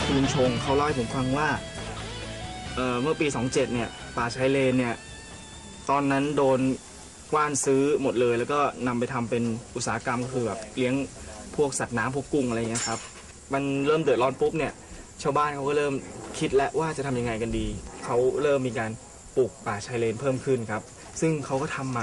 คุณลุงชงเขาเล่าให้ผมฟังว่าเมื่อปี 27 เนี่ยป่าชายเลนเนี่ยตอนนั้นโดนกว้านซื้อหมดเลยแล้วก็นำไปทำเป็นอุตสาหกรรมก็คือแบบเลี้ยงพวกสัตว์น้ำพวกกุ้งอะไรเงี้ยครับมันเริ่มเดือดร้อนปุ๊บเนี่ยชาวบ้านเขาก็เริ่มคิดแล้วว่าจะทำยังไงกันดีเขาเริ่มมีการปลูกป่าชายเลนเพิ่มขึ้นครับซึ่งเขาก็ทำมา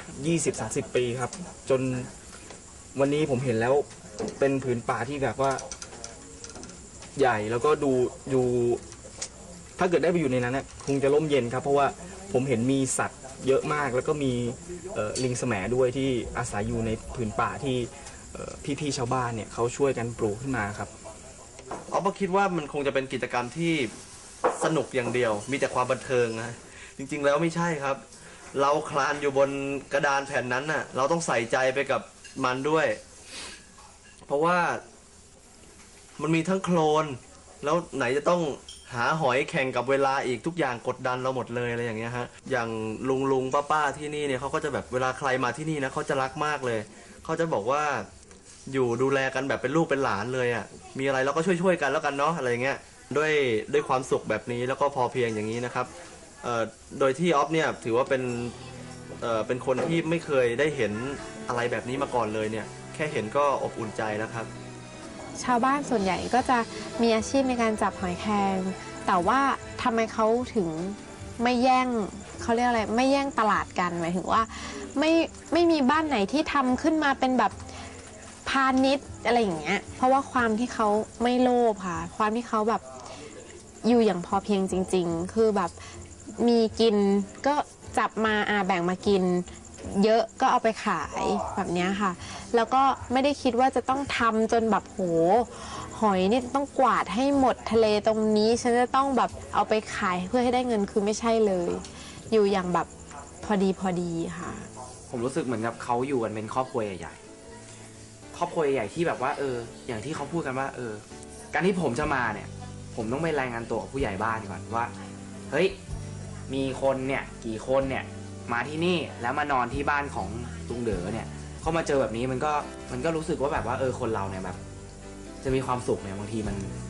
20-30 ปีครับจนวันนี้ผมเห็นแล้วเป็นผืนป่าที่แบบว่าใหญ่แล้วก็ดูถ้าเกิดได้ไปอยู่ในนั้นเนี่ยคงจะร่มเย็นครับเพราะว่าผมเห็นมีสัตว์เยอะมากแล้วก็มีลิงแสมด้วยที่อาศัยอยู่ในผืนป่าที่พี่ๆชาวบ้านเนี่ยเขาช่วยกันปลูกขึ้นมาครับอ๊อฟก็คิดว่ามันคงจะเป็นกิจกรรมที่สนุกอย่างเดียวมีแต่ความบันเทิงนะจริงๆแล้วไม่ใช่ครับเราคลานอยู่บนกระดานแผ่นนั้นน่ะเราต้องใส่ใจไปกับมันด้วยเพราะว่ามันมีทั้งโคลนแล้วไหนจะต้องหาหอยแข่งกับเวลาอีกทุกอย่างกดดันเราหมดเลยอะไรอย่างเงี้ยฮะอย่างลุงป้าที่นี่เนี่ยเขาก็จะแบบเวลาใครมาที่นี่นะเขาจะรักมากเลยเขาจะบอกว่าอยู่ดูแลกันแบบเป็นลูกเป็นหลานเลยอ่ะมีอะไรเราก็ช่วยกันแล้วกันเนาะอะไรเงี้ยด้วยความสุขแบบนี้แล้วก็พอเพียงอย่างนี้นะครับโดยที่ออฟเนี่ยถือว่าเป็นคนที่ไม่เคยได้เห็นอะไรแบบนี้มาก่อนเลยเนี่ยแค่เห็นก็อบอุ่นใจแล้วครับชาวบ้านส่วนใหญ่ก็จะมีอาชีพในการจับหอยแครงแต่ว่าทำไมเขาถึงไม่แย่งเขาเรียกอะไรไม่แย่งตลาดกันหมายถึงว่าไม่มีบ้านไหนที่ทำขึ้นมาเป็นแบบพาณิชย์อะไรอย่างเงี้ยเพราะว่าความที่เขาไม่โลภค่ะความที่เขาแบบอยู่อย่างพอเพียงจริงๆคือแบบมีกินก็จับมาแบ่งมากินเยอะก็เอาไปขายแบบนี้ค่ะแล้วก็ไม่ได้คิดว่าจะต้องทำจนแบบโหหอยนี่ต้องกวาดให้หมดทะเลตรงนี้ฉันจะต้องแบบเอาไปขายเพื่อให้ได้เงินคือไม่ใช่เลยอยู่อย่างแบบพอดีค่ะผมรู้สึกเหมือนกับเขาอยู่กันเป็นครอบครัวใหญ่ๆครอบครัวใหญ่ที่แบบว่าอย่างที่เขาพูดกันว่าการที่ผมจะมาเนี่ยผมต้องไปรายงานตัวกับผู้ใหญ่บ้านก่อนว่าเฮ้ยมีคนเนี่ยกี่คนเนี่ยมาที่นี่แล้วมานอนที่บ้านของลุงเด๋อเนี่ยเขามาเจอแบบนี้มันก็รู้สึกว่าแบบว่าคนเราเนี่ยแบบจะมีความสุขเนี่ยบางที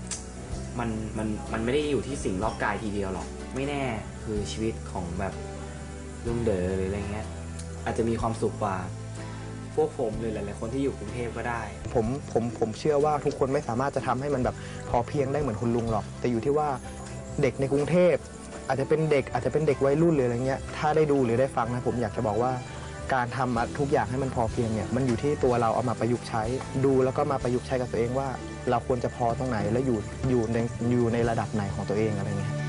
มันไม่ได้อยู่ที่สิ่งรอบกายทีเดียวหรอกไม่แน่คือชีวิตของแบบลุงเด๋อหรืออะไรเงี้ยอาจจะมีความสุขกว่าพวกผมหรือหลายๆคนที่อยู่กรุงเทพก็ได้ผมเชื่อว่าทุกคนไม่สามารถจะทำให้มันแบบพอเพียงได้เหมือนคุณลุงหรอกแต่อยู่ที่ว่าเด็กในกรุงเทพอาจจะเป็นเด็กวัยรุ่นหรืออะไรเงี้ยถ้าได้ดูหรือได้ฟังนะผมอยากจะบอกว่าการทำทุกอย่างให้มันพอเพียงเนี่ยมันอยู่ที่ตัวเราเอามาประยุกต์ใช้ดูแล้วก็มาประยุกต์ใช้กับตัวเองว่าเราควรจะพอตรงไหนและอยู่ในระดับไหนของตัวเองอะไรเงี้ย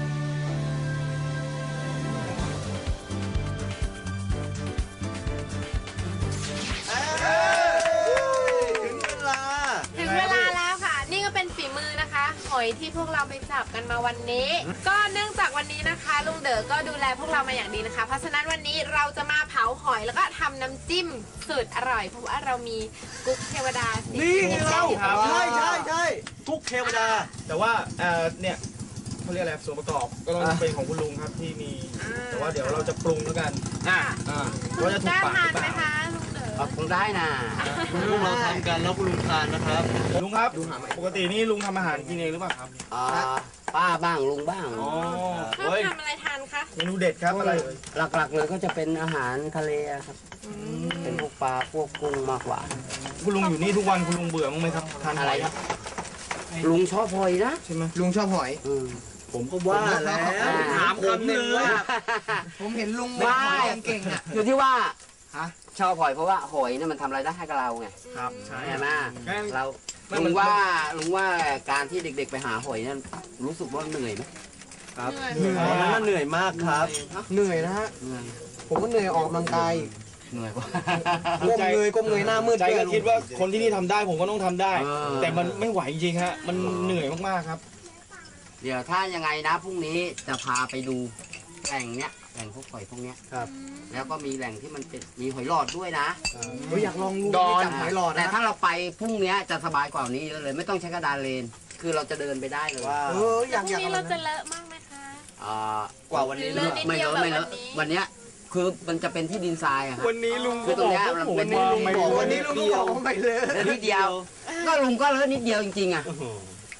ถึงเวลาแล้วค่ะนี่ก็เป็นฝีมือนะคะหอยที่พวกเราไปจับกันมาวันนี้ก็เนื่องจากวันนี้นะคะลุงเด๋อก็ดูแลพวกเรามาอย่างดีนะคะเพราะฉะนั้นวันนี้เราจะมาเผาหอยแล้วก็ทำน้ำจิ้มสูตรอร่อยเพราะว่าเรามีกุ๊กเทวดานี่เราใช่กุ๊กเทวดาแต่ว่าเนี่ยเขาเรียกอะไรส่วนประกอบก็ต้องเป็นของคุณลุงครับที่มีแต่ว่าเดี๋ยวเราจะปรุงแล้วกันว่าจะถูกปากหรือเปล่าคงได้นะลุงเราทำกันแล้วคุณลุงทานนะครับลุงครับปกตินี่ลุงทำอาหารกินเองหรือเปล่าครับป้าบ้างลุงบ้างชอบทำอะไรทานคะเมนูเด็ดครับอะไรหลักๆเลยก็จะเป็นอาหารทะเลครับเป็นพวกปลาพวกกุ้งมากกว่าคุณลุงอยู่นี่ทุกวันคุณลุงเบื่อมั้งไหมครับทานอะไรครับลุงชอบหอยนะใช่ไหมลุงชอบหอยผมก็ว่าแล้วถามคำหนึ่งว่าผมเห็นลุงไม่เก่งอ่ะอยู่ที่ว่าชอบหอยเพราะว่าหอยเนี่ยมันทำอะไรได้ให้กับเราไงครับใช่ไหมเราลุงว่าการที่เด็กๆไปหาหอยเนี่ยรู้สึกว่าเหนื่อยไหมครับเหนื่อยมากครับเหนื่อยนะฮะผมก็เหนื่อยออกกำลังกายเหนื่อยกว่าก้มเงยหน้ามืดใจก็คิดว่าคนที่นี่ทำได้ผมก็ต้องทำได้แต่มันไม่ไหวจริงฮะมันเหนื่อยมากๆครับเดี๋ยวถ้ายังไงนะพรุ่งนี้จะพาไปดูแหล่งเนี้ยแหล่งพวกหอยพวกเนี้ยครับแล้วก็มีแหล่งที่มันเป็นมีหอยหลอดด้วยนะอยากลองจับหอยหลอดแต่ถ้าเราไปพรุ่งนี้จะสบายกว่านี้เยอะเลยไม่ต้องใช้กระดานเลนคือเราจะเดินไปได้เลยพรุ่งนี้เราจะเลอะมากไหมคะกว่าวันนี้ไม่เลอะวันนี้คือมันจะเป็นที่ดินทรายอะครับวันนี้ลุงคือตรงนี้มันเป็นวันนี้ลุงบอกไม่เลอะนิดเดียวก็ลุงก็เลอะนิดเดียวจริงๆอะ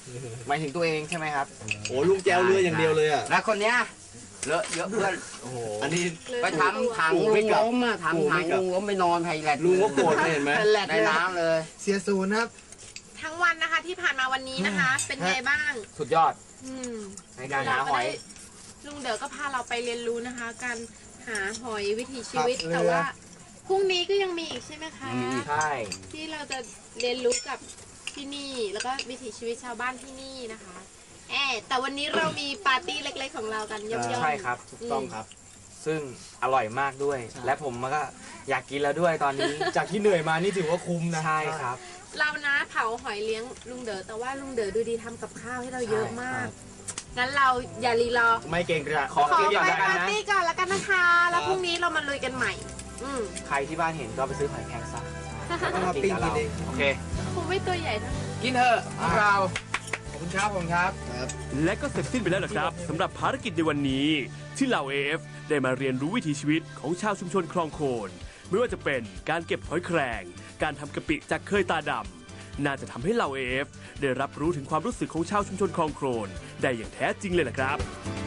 หมายถึงตัวเองใช่ไหมครับโอ้ลุงแจวเรืออย่างเดียวเลยอ่ะแล้วคนเนี้ยเลอะเยอะเพื่อนโอ้โหอันนี้ไปทำถังโอ้ลุไม่งกลับล้มอะโอ้ทำถัไม่งกลับลุงล้มไปนอนไทยแลนด์ลุงก็โกรธเลยเห็นไหมในน้ำเลยเสียศูนย์ครับทั้งวันนะคะที่ผ่านมาวันนี้นะคะ เป็นไงบ้างสุดยอดอืมในการหาหอยลุงเด๋อก็พาเราไปเรียนรู้นะคะ การหาหอยวิถีชีวิตครับแต่ว่าพรุ่งนี้ก็ยังมีอีกใช่ไหมคะใช่ที่เราจะเรียนรู้กับที่นี่แล้วก็วิถีชีวิตชาวบ้านที่นี่นะคะแต่วันนี้เรามีปาร์ตี้เล็กๆของเรากันย่อมๆใช่ครับถูกต้องครับซึ่งอร่อยมากด้วย และผมก็อยากกินแล้วด้วยตอนนี้จากที่เหนื่อยมานี่ถือว่าคุ้มนะใช่ครับเรานะเผาหอยเลี้ยงลุงเด๋อแต่ว่าลุงเด๋อดูดีทำกับข้าวให้เราเยอะมาก งั้นเราอย่ารีรอไม่เกรงกระขอขอกินก่อนไปแล้วกันปาร์นะตี้ก่อนแล้วกันนะคะ แล้วพรุ่งนี้เรามาลุยกันใหม่ใครที่บ้านเห็นก็ไปซื้อหอยแครงซะมาปิ้งกินเองโอเคคงไม่ตัวใหญ่เท่ากินเถอะพวกเรา ขอบคุณครับ ผมครับและก็เสร็จสิ้นไปแล้วนะครับสำหรับภารกิจในวันนี้ ที่เหล่า AF ได้มาเรียนรู้วิถีชีวิตของชาวชุมชนคลองโคน ไม่ว่าจะเป็นการเก็บหอยแครงการทำกะปิจากเคยตาดำน่าจะทำให้เหล่า AF ได้รับรู้ถึงความรู้สึกของชาวชุมชนคลองโคลนได้อย่างแท้จริงเลยล่ะครับ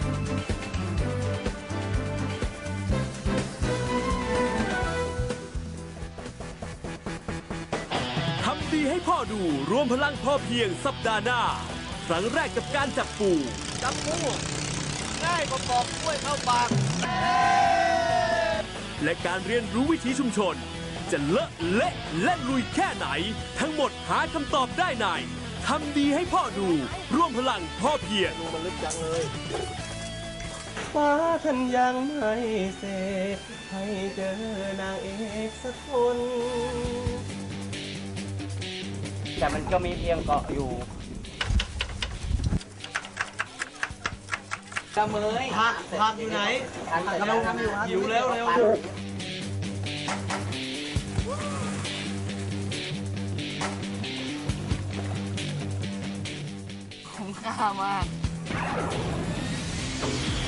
ทำดีให้พ่อดูรวมพลังพ่อเพียงสัปดาห์หน้า ครั้งแรกกับการจับปูจับปูง่ายกว่าปอกกล้วยเข้าปากและการเรียนรู้วิถีชุมชน จะเลอะเละและลุยแค่ไหน ทั้งหมดหาคำตอบได้ในทำดีให้พ่อดูร่วมพลังพ่อเพียงฟ้าท่านยังไม่เสร็จให้เจอนางเอกสักคนแต่มันก็มีเพียงเกาะอยู่กระเมยผักอยู่ไหนกำลังทำอยู่ครับหิวแล้วเร็วคุ้มค่ามาก